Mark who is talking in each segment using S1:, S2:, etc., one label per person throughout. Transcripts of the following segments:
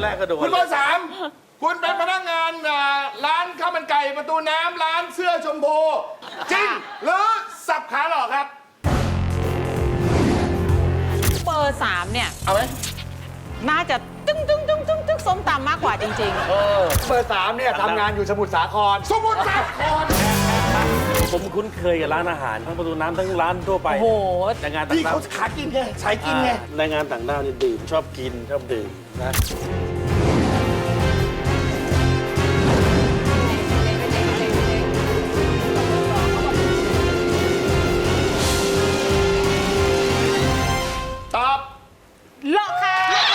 S1: แรกก็โดน
S2: คุณเบอร์สามคุณเป็นพนักงานร้านข้าวมันไก่ประตูน้ำร้านเสื้อชมพูจริงหรือสับขาหลอกครับ
S3: เบอร์3เนี่ย
S2: เอาไหม
S3: น่าจะตึ้งส้มตำมากกว่าจริงๆ
S4: เบอร์3เนี่ยทำงานอยู่สมุทรสาคร
S2: สมุทรสาคร
S1: ผมคุ้นเคยกับร้านอาหารทั้งประตูน้ำทั้งร้านทั่วไป
S3: โอ้โห
S1: แรงงานต่าง
S2: ที่
S1: ด้า
S2: เขา
S1: ว
S2: ขากินไงสายกินไง
S1: แรงงานต่างด้าวนี่ดื่มชอบกินชอบดื่มนะ
S2: ตอบ
S3: เลาะค่ะ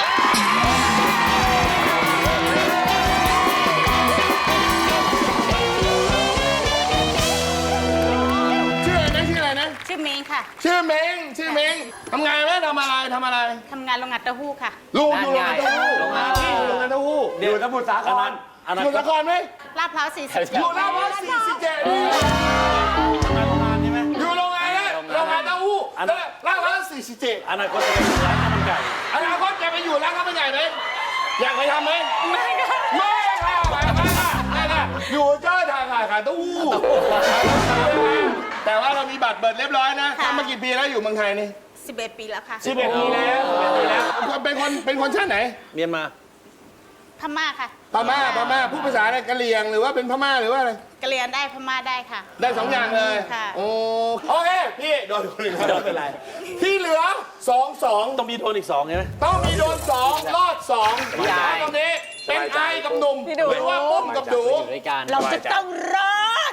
S2: ชื่ออะไรนะชื่ออะไรนะ
S5: ชื่อเมงค่ะ
S2: ชื่อเม้งชื่อเม้งทำไงไหมทำอะไรทำอะไร
S5: ทำงานโรงงานเต้าหู้ค่ะ
S2: ลูกอยู่โรงงานเต้าหู้
S4: โรงงาน
S2: โรงงานเต้าหู้
S4: อยู่สมุทรสาคร
S1: อนา
S2: สมุทร
S1: คต
S2: สาครไหม
S5: ลาดพร้าว40
S2: อยู่ลาดพร้าว47นี่
S1: โรงงานใช่ไหม
S2: อยู่โรงงานนะโรงงานเต้าหู้แล้วลาดพร้าว47
S1: อนาคตจะเป็นร้านข้าวมันไก่
S2: อนาคตจะไปอยู่ร้านข้าวมันไก่ไหมอยากไปทำไหมไม่ค่ะไม่ค่ะอยู่เจ้าทางขายเต้าหู้แต่ว่าเรามีบัตรเบิดเรียบร้อยนะทำมากี่ปีแล้วอยู่เมืองไทยนี่
S5: 11 ปีแล้วค่ะ
S2: 11 ปีแล้วเป็นคนชาติไหน
S1: เมียนมา
S5: พม่าค่ะ
S2: พม่าพูดภาษาอะไรกะเหรี่ยงหรือว่าเป็นพม่าหรือว่าอะไร
S5: กะเหรียนได้พม่าได้ค่ะ
S2: ได้2 อย่างเลย
S5: ค่ะ
S2: โอเคพี่โดนคนหนึ่งไม่เป็นไรที่เหลือ2
S1: ต้องมีโทนอีก2ใช่ไหม
S2: ต้องมีโดน2รอด2ตรงนี้เป็นไอกับหนุ่มหรือว่าปุ้มกับดู
S3: เราจะต้องรอด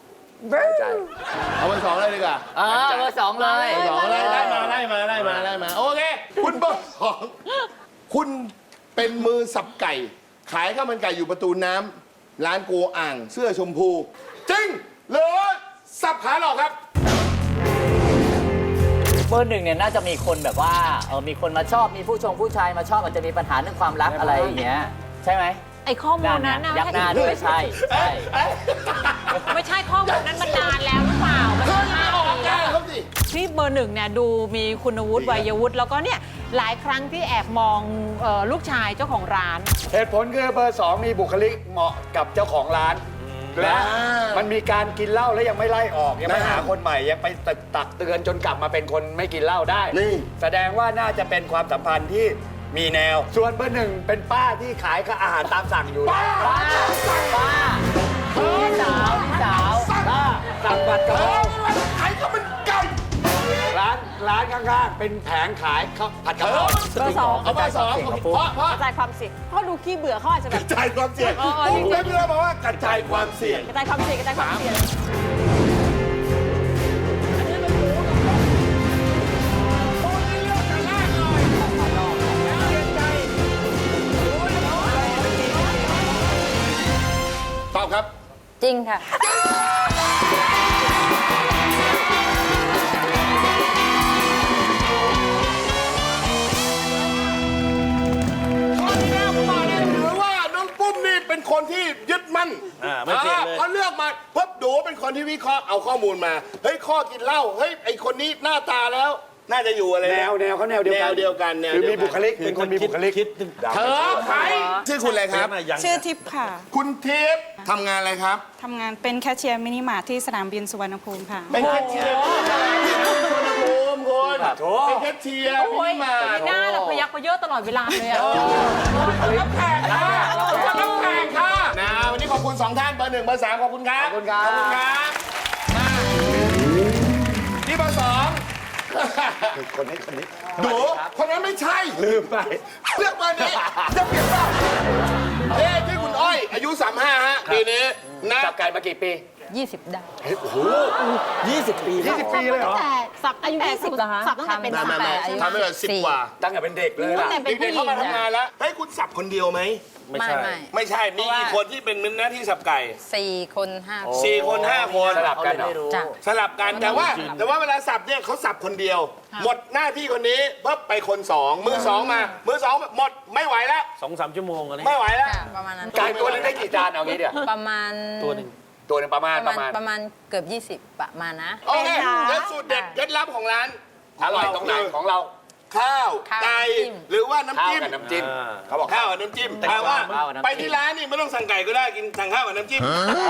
S2: เอาเป็น2เลยดีกว่า
S4: เบอร์2เลย
S2: สองไล่มาโอเคคุณเบอร์2คุณเป็นมือสับไก่ ขายข้าวมันไก่อยู่ประตูน้ำร้านโกอ่างเสื้อชมพูจริงหรือสับขาหลอกครับ
S6: เบอร์ 1เนี่ยน่าจะมีคนแบบว่ามีคนมาชอบมีผู้ชายมาชอบอาจจะมีปัญหาเรื่องความรักอะไรอย่างเงี้ยใช่ไหม
S3: ไอ้ข้อมูลนั้นนะ
S6: ยักหน้าด้วยใช่
S3: ไม่ใช่ข้อมูลนั้นมันนานแล้วหรือเปล่ามัน
S2: เฮ้ย
S3: นาน
S2: ออก
S3: แล้
S2: กาว รครับสิ
S3: ที่เบอร์ 1เนี่ยดูมีคุณวุฒิวัยวุฒิแล้วก็เนี่ยหลายครั้งที่แอบมองลูกชายเจ้าของร้าน
S4: เหตุผลคือเบอร์2มีบุคลิกเหมาะกับเจ้าของร้านและมันมีการกินเหล้าแล้วยังไม่ไล่ออกยังไม่หาคนใหม่ยังไปตักเตือนจนกลับมาเป็นคนไม่กินเหล้าได้
S2: นี่
S4: แสดงว่าน่าจะเป็นความสัมพันธ์ที่มีแนว ส่วนเบอร์ 1เป็นป้าที่ขายอาหารตามสั่งอยู่
S2: ป้า
S6: พี่สาว
S4: ป้าสั่งบัตรกะเพรา
S2: ขายข้าวมันไก่
S4: ร้านข้างๆเป็นแผงขายข้าวผัดกะเพรา
S3: เบอร์สอง
S2: เอาเบอร์2เพราะ
S3: กระจายความเสี่ยงเขาดูขี้เบื่อเขาอาจจะแบ
S2: ก
S3: บ
S2: ระจายความเสี่ยง
S3: อ๋อ
S2: ผมเป็นเรื่องบอกว่ากระจายความเสี่ยง
S3: กระจายความเสี่ยงกระจายความเสี่ยง
S2: ตอบครับ
S5: จริงค่ะ
S2: ข้อที่แล้วผมบอกเลยถือว่าน้องปุ้มนี่เป็นคนที่ยึดมั่น
S1: ไม่เปลี่ยนเลย
S2: พอเลือกมาปุ๊บดูเป็นคนที่วิเคราะห์เอาข้อมูลมาเฮ้ยข้อกินเหล้าเฮ้ยไอคนนี้หน้าตาแล้ว น่าจะอยู่อะไร
S4: แนวเขาแนวเดียวกัน
S2: แนวเดียวกัน
S4: คือมีบุคลิกเป็นคนมีบุคลิก
S1: คิดถึง
S2: เธอใครชื่อคุณอะไรครับ
S7: ชื่อทิพย์ค่ะ
S2: คุณทิพย์ทำงานอะไรครับ
S7: ทำงานเป็นแคชเชียร์มินิมาร์ทที่สนามบินสุวรรณภูมิค่ะ
S2: เป็นแคชเชียร์ที่สุวรรณภูมิคุณเป็นแคชเชียร์
S3: โอ้ย
S2: มินิมาร์ท
S3: หน้าเราพยักพเยอะตลอดเวลาเลยอะ
S2: รับแขกค่ะรับแขกค่ะนะวันนี้ขอบคุณ2 ท่านเบอร์ 1 เบอร์ 3ขอบคุณครับ
S4: ขอบคุณครับ
S2: ขอบคุณครับมาที่เบอร์ 2
S4: คนนี้
S2: ดูคนนั้นไม่ใช่
S4: ลืมไป
S2: เลือกเบอร์นี้จะเปลี่ยนเปล่าที่คุณอ้อยอายุ 35 ฮะปีนี้นะ
S4: จับไก่มากี่ปี
S3: 20 ได้
S4: 20 ปีเลยเหรอ
S3: สับอายุ20เหรอคะสับตั้งแต่เป็น
S2: ไม่ทำให้แบบ10 กว่า
S4: ตั้งแต่เป็นเด็กเลยล่ะ
S3: แต่เป็น
S2: เด็
S3: ผู้
S2: ก
S3: ห
S2: ๆ
S3: ญิ
S2: เข้าง มาทำงานแล้วให้คุณสับคนเดียวไหม
S1: ไม่ใช่
S2: ไม่ใช่ มีกี่คนที่เป็นหน้าที่สับไก่
S5: 4 คน 5
S2: 4 คน 5 คน
S4: สลับกันเหรอ
S5: จ้ะ
S2: สลับกันแต่ว่าเวลาสับเนี่ยเขาสับคนเดียว หมดหน้าที่คนนี้ปุ๊บไปคน 2 มือ 2 มามือ 2 หมดไม่ไหวแล้ว
S1: 2-3 ชั่วโมงอะไร
S2: ไม่ไหวแล้ว
S5: ประมาณนั้น
S4: ไก่ตัวนึงได้กี่จานเอางี้เดี๋ยว
S5: ประมาณ
S1: ตัวหนึ่ง
S4: ตัวนึงประมาณ
S5: เกือบ 20 ประมาณนะ
S2: โอเคแล้วสูตรเด็ดเคล็ดลับของร้าน
S4: อร่อยตรงไหนของเรา
S2: ข้าว
S5: ข้าว
S2: ไก่
S5: น้ำจิ้ม
S2: หรือว่าน้ำ
S4: ข้าว
S2: จิ้ม
S4: กับน้ำจิ้ม
S1: อ่า
S4: เขาบอก
S2: ข้าวกับน้ำจิ้มแปลว่า
S6: ข้าวกับน้ำจิ้ม
S2: ไปที่ร้านนี่ไม่ต้องสั่งไก่ก็ได้กินสั่งข้าวกับน้ำจิ้ม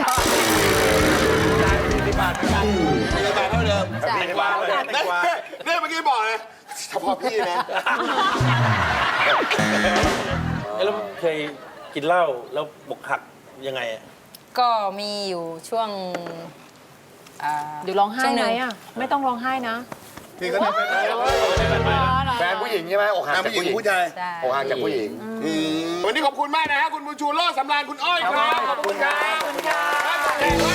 S2: 40 บาทเหมือนกัน40 บาทเท่าเดิม
S5: ใช่
S2: แตงกวาเลยเนี่ยเมื่อกี้บอกเลยเฉพาะพี่นะ
S1: แล้วเคยกินเหล้าแล้วบกหักยังไงอะ
S5: ก็มีอยู่ช่วง
S3: เดี๋ยวร้องไห้
S5: ช่วง
S3: ไห
S5: นึ่
S3: มอ่ะ ไม่ต้องร้องไห้นะ
S2: พี่ก็ทำเป็น
S4: แฟนผู้หญิงใช่ไหมอกหัก
S2: น้ำ
S4: จาก
S2: ผู้หญิง
S4: ผู้หญิง
S2: ผู้ชาย
S5: ใช่
S4: อกหักจากผู้หญิง
S2: วันนี้ขอบคุณมากนะฮะคุณบุญชูโลดสำราญคุณอ้อยครับขอบคุณครับขอบคุณครับ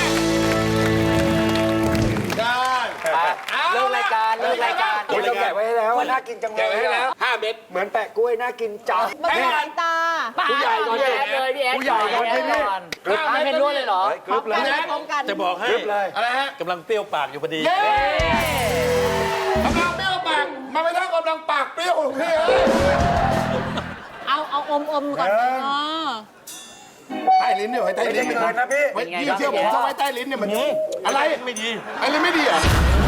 S2: ได้
S6: เลิกรายการเลิกรายการ
S4: คุณเราแกะไว้ให้แล้วน่ากินจังเล
S2: แกะ
S4: ย
S2: ไว้ให้แล้ว5 เม็ด
S4: เหมือนแปะกล้วยน่ากินจัง
S3: มันสายตา
S4: ผู้ใหญ่ก่อน
S6: พี่แอดเลยพี่แอด
S4: ผู้ใหญ่ก่อนที่นี่
S6: ไม่รู้เลยเหรอ
S4: กรึบเลย
S3: พร้อมกัน
S1: จะบอกให้
S4: กรึบเลย
S2: อะไรฮะ
S1: กำลังเปรี้ยวปากอยู่พอดี
S2: กำลังเปรี้ยวปากมาไม่ต้องกำลังปากเปรี้ยวของพี่
S3: เอาอมก่อนอ๋อ
S2: ใต้ลิ้นเนี่ยไว้ใต้ลิ้น
S4: ไม่เกินนะพี่
S2: ไว้พี่เชื่อผมถ้าไว้ใต้ลิ้นเนี่ยมันอะไร
S1: ไม่ดี
S2: อะไรไม่ดีอ่ะ